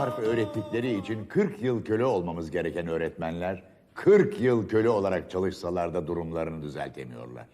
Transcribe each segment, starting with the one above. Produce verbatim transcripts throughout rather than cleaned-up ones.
harf öğrettikleri için kırk yıl köle olmamız gereken öğretmenler kırk yıl köle olarak çalışsalar da durumlarını düzeltemiyorlar.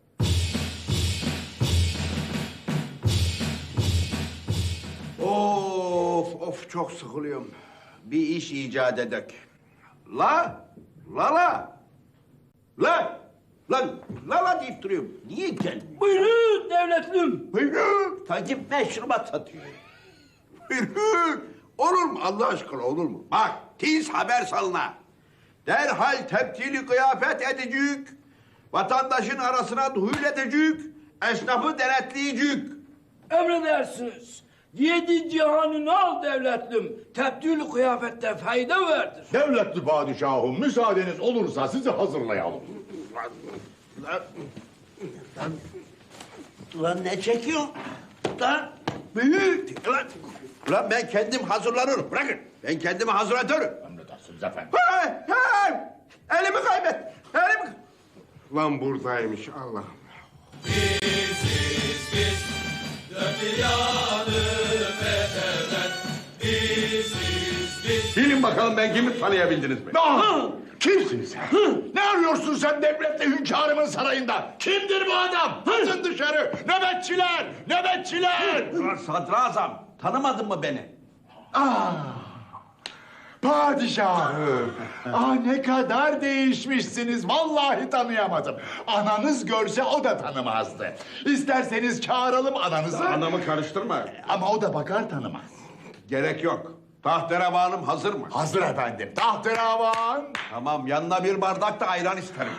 Of of çok sıkılıyorum. Bir iş icat edek. La la la. La lan la la deyip duruyorum. Niye geldin? Buyurun devletlüm. Buyurun. Takip meşrubat satıyor. Buyurun. Olur mu Allah aşkına olur mu? Bak tiz haber salına. Derhal tebdili kıyafet edecek. Vatandaşın arasına duhul edecek. Esnafı denetleyecek. Emredersiniz. Yedi cihanını al devletlüm. Tebdül kıyafette fayda vardır. Devletli padişahım, müsaadeniz olursa sizi hazırlayalım. Lan, lan, lan ne çekiyorsun? Lan büyük. Lan, lan ben kendim hazırlanırım. Bırakın. Ben kendimi hazırlatırım. Emredersiniz efendim. Hey, hey! Elimi kaybet. Elimi... Lan buradaymış Allah'ım. Biziz biz, dört bir yanı fetheden. Biziz biz. Bilin bakalım ben kimi tanıyabildiniz mi? Ah! Kimsin sen? Ne arıyorsun sen devletli hünkârımın sarayında? Kimdir bu adam? Atın dışarı! Nöbetçiler! Nöbetçiler! Ulan sadrazam, tanımadın mı beni? Ah! Padişahım! Ah ne kadar değişmişsiniz. Vallahi tanıyamadım. Ananız görse o da tanımazdı. İsterseniz çağıralım ananızı. Anamı karıştırma. Ama o da bakar tanımaz. Gerek yok. Tahterevanım hazır mı? Hazır efendim. Tahterevan. Tamam, yanına bir bardak da ayran isterim.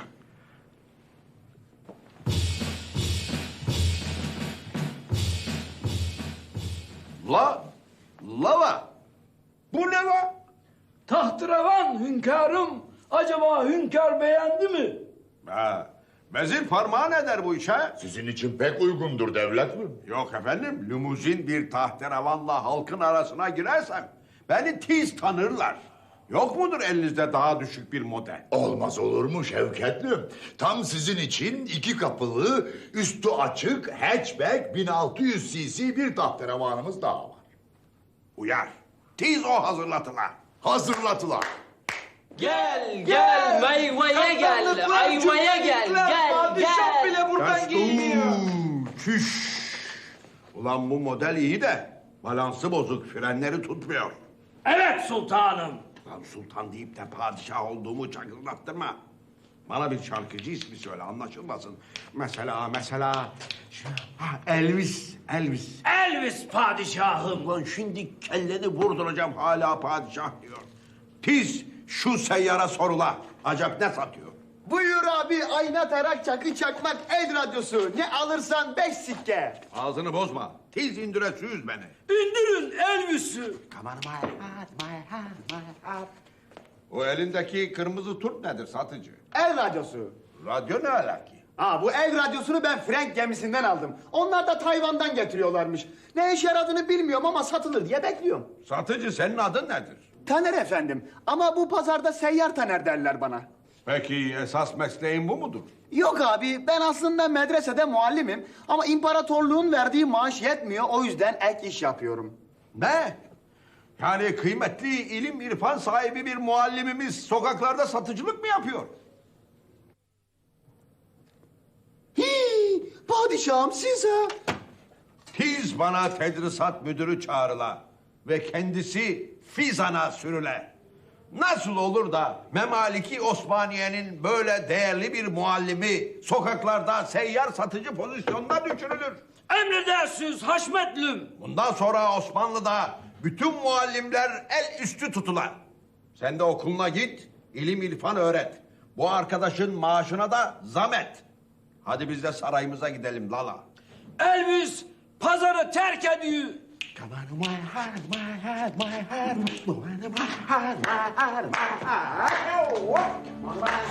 La, la la. Bu ne la? Tahterevan hünkârım. Acaba hünkâr beğendi mi? Ha, vezir parmağı ne der bu işe? Sizin için pek uygundur devletim. Yok efendim, limuzin bir tahterevanla halkın arasına girersem beni tiz tanırlar. Yok mudur elinizde daha düşük bir model? Olmaz olur mu Şevketlim? Tam sizin için iki kapılı, üstü açık, hatchback bin altı yüz cc bir tahterevanımız daha var. Uyar. Tiz o hazırlatılar. Hazırlatılar. Gel gel ayvaya gel ayvaya gel gel Padişah gel. bile buradan Kaç- giyiniyor. Uuu, Çüş. Ulan bu model iyi de balansı bozuk, frenleri tutmuyor. Evet sultanım. Lan sultan deyip de padişah olduğumu çakırdattırma. Bana bir şarkıcı ismi söyle anlaşılmasın. Mesela mesela ha, Elvis, Elvis. Elvis padişahım. Ulan şimdi kelleni vurduracağım hala padişah diyor. Tiz şu seyyara sorula. Acaba ne satıyor? Buyur abi, ayna, tarak, çakı, çakmak, el radyosu. Ne alırsan beş sikke. Ağzını bozma. Tiz indire süz beni. İndirin Elvis'i. Come on my heart, my heart, my heart. O elindeki kırmızı turp nedir satıcı? El radyosu. Radyo ne alaki? Aa, bu el radyosunu ben Frank gemisinden aldım. Onlar da Tayvan'dan getiriyorlarmış. Ne işe yaradığını bilmiyorum ama satılır diye bekliyorum. Satıcı senin adın nedir? Taner efendim. Ama bu pazarda seyyar Taner derler bana. Peki esas mesleğin bu mudur? Yok abi, ben aslında medresede muallimim. Ama imparatorluğun verdiği maaş yetmiyor. O yüzden ek iş yapıyorum. Ne? Yani kıymetli ilim irfan sahibi bir muallimimiz sokaklarda satıcılık mı yapıyor? Hii, padişahım siz ha. Tiz bana tedrisat müdürü çağrıla ve kendisi Fizan'a sürüle. Nasıl olur da Memaliki Osmaniye'nin böyle değerli bir muallimi sokaklarda seyyar satıcı pozisyonuna düşürülür? Emredersiniz Haşmetlüm. Bundan sonra Osmanlı'da bütün muallimler el üstü tutular. Sen de okuluna git, ilim irfan öğret. Bu arkadaşın maaşına da zam et. Hadi biz de sarayımıza gidelim Lala. Elvis pazarı terk ediyor. Come on my heart, my heart, my heart, my heart, my heart, my heart.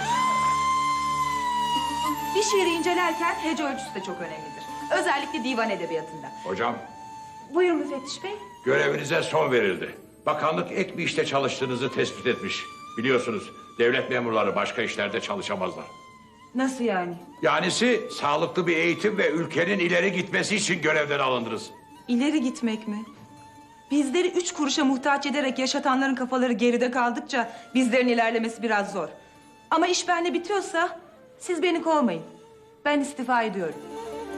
Bir şiiri incelerken hece ölçüsü de çok önemlidir. Özellikle divan edebiyatında. Hocam, Buyurun müfettiş bey. görevinize son verildi. Bakanlık ek bir işte çalıştığınızı tespit etmiş. Biliyorsunuz, devlet memurları başka işlerde çalışamazlar. Nasıl yani? Yanisi sağlıklı bir eğitim ve ülkenin ileri gitmesi için görevden alındınız. İleri gitmek mi? Bizleri üç kuruşa muhtaç ederek yaşatanların kafaları geride kaldıkça bizlerin ilerlemesi biraz zor. Ama iş bende bitiyorsa siz beni kovmayın. Ben istifa ediyorum.